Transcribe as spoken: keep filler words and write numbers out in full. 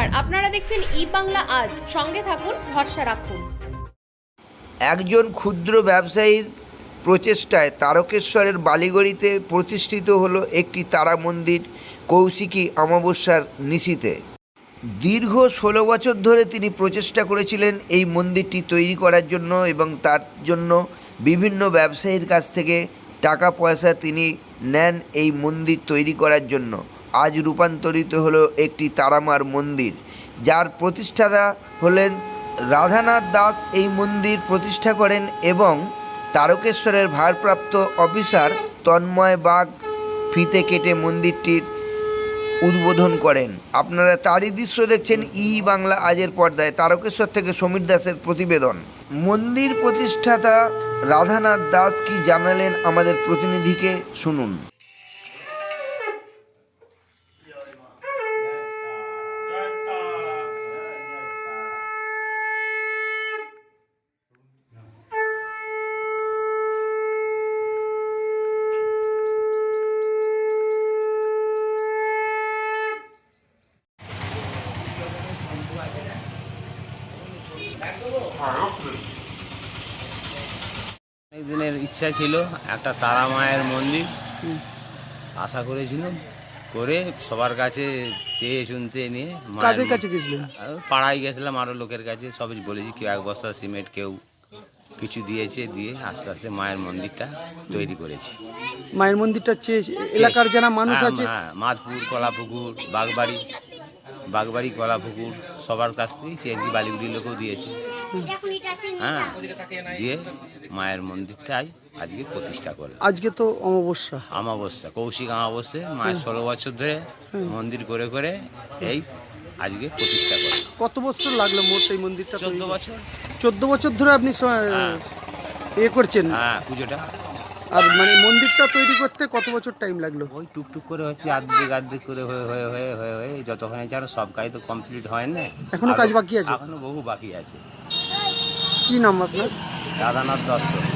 নমস্কার, আপনারা দেখছেন ই বাংলা আজ। সঙ্গে থাকুন, ভরসা রাখুন। একজন ক্ষুদ্র ব্যবসায়ীর প্রচেষ্টায় তারকেশ্বরের বালিগড়িতে প্রতিষ্ঠিত হলো একটি তারা মন্দির কৌশিকী অমাবস্যার নিশীথে। দীর্ঘ ষোলো বছর ধরে তিনি প্রচেষ্টা করেছিলেন এই মন্দিরটি তৈরি করার জন্য এবং তার জন্য বিভিন্ন ব্যবসায়ীর কাছ থেকে টাকা পয়সা তিনি নেন এই মন্দির তৈরি করার জন্য। আজ রূপান্তরিত হলো একটি তারামার মন্দির, যার প্রতিষ্ঠাতা হলেন রাধানাথ দাস। এই মন্দির প্রতিষ্ঠা করেন এবং তারকেশ্বরের ভারপ্রাপ্ত অফিসার তন্ময় বাগ ফিতে কেটে মন্দিরটির উদ্বোধন করেন। আপনারা তারই দৃশ্য দেখছেন ই বাংলা আজের পর্দায়। তারকেশ্বর থেকে সমীর দাসের প্রতিবেদন। মন্দির প্রতিষ্ঠাতা রাধানাথ দাস কি জানালেন আমাদের প্রতিনিধিকে শুনুন। অনেক দিনের ইচ্ছা ছিল একটা তারা মায়ের মন্দির, আশা করেছিলাম করে সবার কাছে চেয়ে শুনতে নিয়ে কাদের কাছে গেছিলেন? পাড়ায় গেছিলাম, আরও লোকের কাছে সবই বলেছি। কেউ এক বস্তা সিমেন্ট, কেউ কিছু দিয়েছে, দিয়ে আস্তে আস্তে মায়ের মন্দিরটা তৈরি করেছি। মায়ের মন্দিরটা চেয়ে এলাকার যারা মানুষ হ্যাঁ, আছে, হ্যাঁ, মাধপুর, কলাপুকুর, বাগবাড়ি বাগবাড়ি কলাপুকুর সবার কাছ থেকেই চেয়েছি, বালিগুড়ির লোকেও দিয়েছে। হ্যাঁ, দিয়ে মায়ের মন্দিরটাই আজকে প্রতিষ্ঠা করলাম। আজকে তো অমাবস্যা, অমাবস্যা, কৌশিক অমাবস্যা। মায়ের ষোলো বছর ধরে মন্দির করে করে এই আজকে প্রতিষ্ঠা করলাম। কত বছর লাগলো মোট এই মন্দিরটা? চোদ্দ বছর। চোদ্দ বছর ধরে আপনি স- হ্যাঁ। এ করছেন। হ্যাঁ, পুজোটা আর মানে মন্দিরটা তৈরি করতে কত বছর টাইম লাগলো? ওই টুকটুক করে হচ্ছে, আর্ধেক আর্ধেক করে হয়ে হয়ে হয়ে হয়ে হয়ে যতক্ষণে যেন সব কাজ তো কমপ্লিট হয় না, এখনো কাজ বাকি আছে? এখনো বহু বাকি আছে। কি নাম আপনার? রাধানাথ দত্ত।